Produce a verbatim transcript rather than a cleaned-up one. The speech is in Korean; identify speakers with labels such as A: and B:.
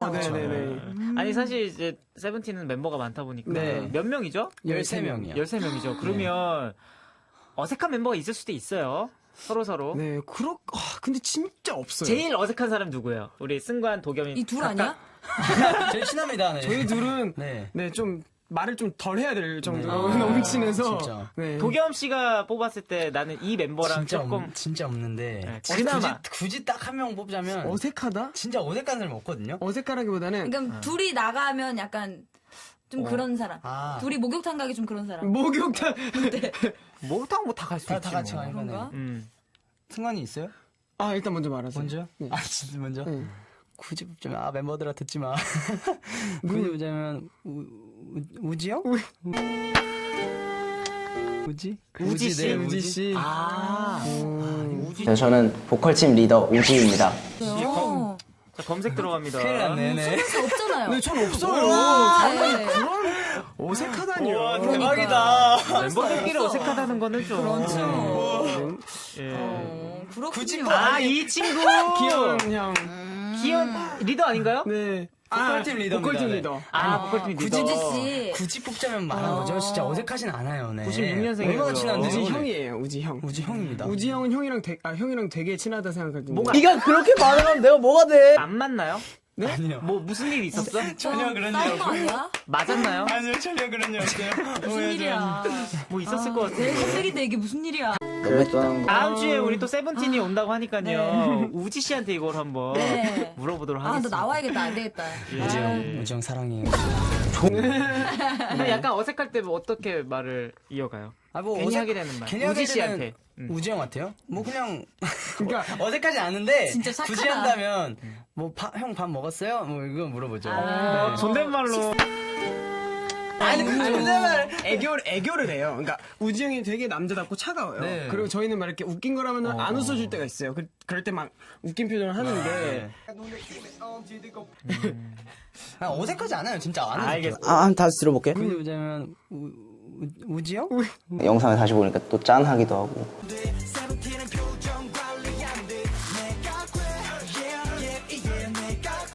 A: 아, 네네네.
B: 음. 아니 사실 이제 세븐틴은 멤버가 많다 보니까
A: 네.
B: 몇 명이죠?
A: 열세 명이요.
B: 열세 명이죠. 그러면 어색한 멤버가 있을 수도 있어요. 서로 서로.
A: 네, 그렇, 아, 근데 진짜 없어요.
B: 제일 어색한 사람 누구예요? 우리 승관, 도겸이.
C: 이 둘 아니야?
D: 제일 친합니다. 네.
A: 저희 둘은,
D: 네.
A: 네, 좀, 말을 좀 덜 해야 될 정도로
D: 네.
A: 너무 친해서.
D: 진짜.
A: 네.
B: 도겸 씨가 뽑았을 때 나는 이 멤버랑
D: 진짜
B: 조금
D: 없, 진짜 없는데
B: 네,
D: 굳이,
B: 그나마.
D: 굳이 딱 한 명 뽑자면
A: 어색하다?
D: 진짜 어색한 사람이 없거든요.
A: 어색하라기보다는
C: 그러니까 둘이 나가면 약간 좀 그런 사람.
D: 아.
C: 둘이 목욕탕 가기 좀 그런 사람.
A: 목욕탕.
B: 목욕탕 뭐 다 갈 수
D: 다,
B: 있지
D: 다 같이
B: 뭐.
D: 가니까.
C: 그런가?
B: 음.
D: 승관이 있어요?
A: 아, 일단 먼저 말하세요.
D: 먼저?
A: 네.
D: 아 진짜 먼저?
A: 네.
D: 굳이 뽑자면 아 멤버들아 듣지 마. 굳이 뽑자면 우, 우, 우지 형? 우지?
B: 우지 씨?
D: 네,
A: 우지 씨.
B: 아. 우지
E: 네, 저는 보컬팀 리더 우지입니다.
C: 어.
B: 자, 검색 들어갑니다.
D: 큰일 났네. 네.
C: 다 없잖아요.
A: 네, 전 없어요.
C: 네.
A: 그런 어색하다니요.
D: 대박이다.
B: 멤버들끼리 어색하다는 거는 좀.
C: 그렇죠.
B: 예.
C: 어, 그렇군요.
D: 굳이 뭐-
B: 아, 이 친구!
A: 귀여운 형.
B: 기현 리더 아닌가요?
A: 네.
D: 보컬팀 리더입니다.
A: 보컬팀
D: 네.
A: 리더.
B: 아, 보컬팀 리더.
C: 우지 씨.
D: 굳이 뽑자면 말한 거죠. 진짜 어색하진 않아요. 네.
B: 구십육 년생이고요.
D: 얼마나 친한데?
A: 우지
D: 네.
A: 형이에요, 우지 형.
D: 우지 형입니다.
A: 우지 형은 형이랑 되, 아, 형이랑 되게 친하다 생각하거든요.
B: 뭐가
E: 네가 그렇게 말하면 내가 뭐가 돼?
B: 안 맞나요?
A: 네?
D: 아니요.
B: 뭐 무슨 일 있었어?
D: 전혀 그런 일
C: 싸운 거
D: 없어요.
C: 아니야?
B: 맞았나요?
D: 아니요 전혀 그런 일 없어요.
C: 무슨 일이야?
B: 뭐 있었을 것
C: 내
B: 같은데.
C: 컴백인데 이게 무슨 일이야?
E: 그랬던 거.
B: 다음 주에 우리 또 세븐틴이 온다고 하니까요. 우지 씨한테 이걸 한번
C: 네.
B: 물어보도록
C: 아, 너
B: 하겠습니다.
C: 나와야겠다. 안 되겠다.
D: 우지
C: 아,
D: 형, 우지 형 사랑해요.
B: 근데 약간 어색할 때 뭐 어떻게 말을 이어가요?
D: 아, 뭐
B: 괜히
D: 어색-
B: 하게 되는 말.
D: 괜히 하게
B: 우지
D: 되는
B: 씨한테. 음.
D: 우지 형 같아요? 뭐 그냥
A: 그러니까
D: 어색하지 않은데
C: 진짜 착하다.
D: 굳이 한다면 뭐 형 밥 먹었어요? 뭐 이거 물어보죠.
C: 아.
B: 어, 존댓말로.
A: 아니, 존댓말 애교 애교를 해요. 그러니까 우지 형이 되게 남자답고 차가워요.
D: 네.
A: 그리고 저희는 막 이렇게 웃긴 거라면
D: 어.
A: 안 웃어줄 때가 있어요. 그, 그럴 때 막 웃긴 표정을 하는데
D: 아, 어색하지 않아요, 진짜 안 어색해요.
B: 알겠어.
E: 아, 한 다시 들어볼게.
D: 굳이 보자면 우, 우, 우지 형?
E: 영상을 다시 보니까 또 짠하기도 하고.